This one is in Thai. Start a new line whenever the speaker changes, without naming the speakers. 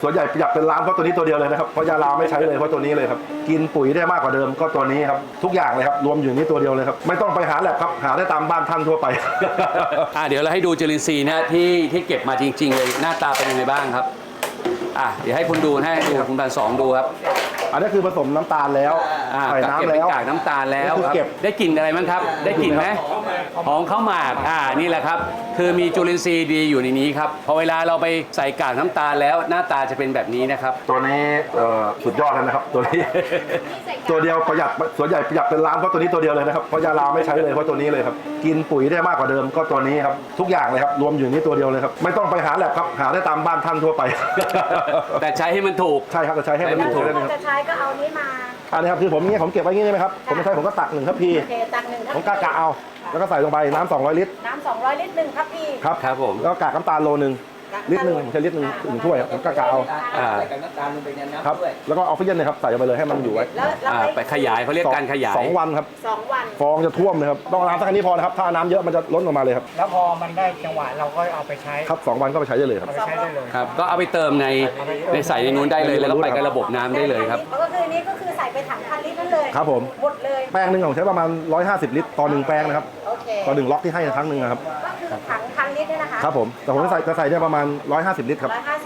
ส่วนใหญ่ประหยัดเป็นล้านเพราะตัวนี้ตัวเดียวเลยนะครับเพราะยาลาไม่ใช้เลยเพราะตัวนี้เลยครับกินปุ๋ยได้มากกว่าเดิมก็ตัวนี้ครับทุกอย่างเลยครับรวมอยู่นี้ตัวเดียวเลยครับไม่ต้องไปหาแลบครับหาได้ตามบ้านท่านทั่วไป
เดี๋ยวเราให้ดูจุลินทรีย์นะที่เก็บมาจริงๆเลยหน้าตาเป็นยังไงบ้างครับเดี๋ยวให้คุณดูให้ดูคุณพันสองดูครับ
อันนี้คือผสมน้ำตาลแล้วใส่
เก็บ
น้ำ
เป็น
แล้ว
กากน้ำตาลแล้ว
นี่คือเก็บ
ได้กลิ่นอะไรบ้างครับ ได้กลิ่นไหมหอมข้าวหมากนี่แหละครับคือมีจุลินทรีย์ดีอยู่ในนี้ครับพอเวลาเราไปใส่กากน้ำตาลแล้วหน้าตาจะเป็นแบบนี้นะครับ
ตัวนี้สุดยอดเลยนะครับตัวนี้ ตัวเดียวประหยัดส่วนใหญ่ประหยัดเป็นล้านเพราะตัวนี้ตัวเดียวเลยนะครับเพราะยาลาไม่ใช้เลยเพราะตัวนี้เลยครับกินปุ๋ยได้มากกว่าเดิมก็ตัวนี้ครับทุกอย่างเลยครับรวมอยู่นี้ตัวเดียวเลยครับไม่ต้องไปหาแลบครับหาได้ตามบ้านท่านทั่วไป
แต่ใช้ให้มันถูก
ใช่ครับจะใช้ให้มันถูก
ถ้าจะใช้ก็เอานี้มา
อันนี้ครับคือผมเก็บไว้งี้ใช่ไหมครับผมไม่ใช่ผมก็ตัก1 ทัพพี
โอเคตัก1 ทัพ
ผม
พี
กะเอาแล้วก็ใส่ลงไปน้ำ200 ลิตร
น้ำ200 ลิตร1 ทัพพี
ครับ
ครับผม
แล้วก็กากน้ำตาลโลนึงลิตรหนึ่งผมใช้ลิตรหนึ่ง1 ถ้วยผมกะเอา
ใส่กับน้ำตาลลงไปในน้ำ
ครับ
ด้วย
แล้วก็ออกซิเจนนะครับใส่ลงไปเลยให้มันอยู่ไว้
แล้ว
ไปขยายเขาเรียกการขยาย
2 วันครับ
2 วัน
ฟองจะท่วมเลยครับต้องน้ำสักแค่นี้พอนะครับถ้าน้ำเยอะมันจะล้นออกมาเลยครับ
แล้วพอมันได้จังหวะเราก็เอาไปใช้
ครับ2 วันก็ไปใช้ได้เลยครับ
เอาไปใช้ได้เลย
ครับก็เอาไปเติมในใส่ในนู้นได้เลยแล้วก็ไปกับระบบน้ำได้เลยครับ
ก็คือนี้ก็คือใส่ไปถัง1,000 ลิตรนั่นเลย
ครับผม
หมดเลย
แป้งหนึ่งผมใช้ประมาณ150 ลิตรต่อ1 แป้งนะครับ
โอเค
ต่อ1 ล็อกที่ให้ครั้งหนึ่งนะครับ
ก็คือถัง1,000 ลิตรเนี่ยนะคะ
ครับผมแต่ผมจะใส่ได้ประมาณ150 ลิตรครับ
150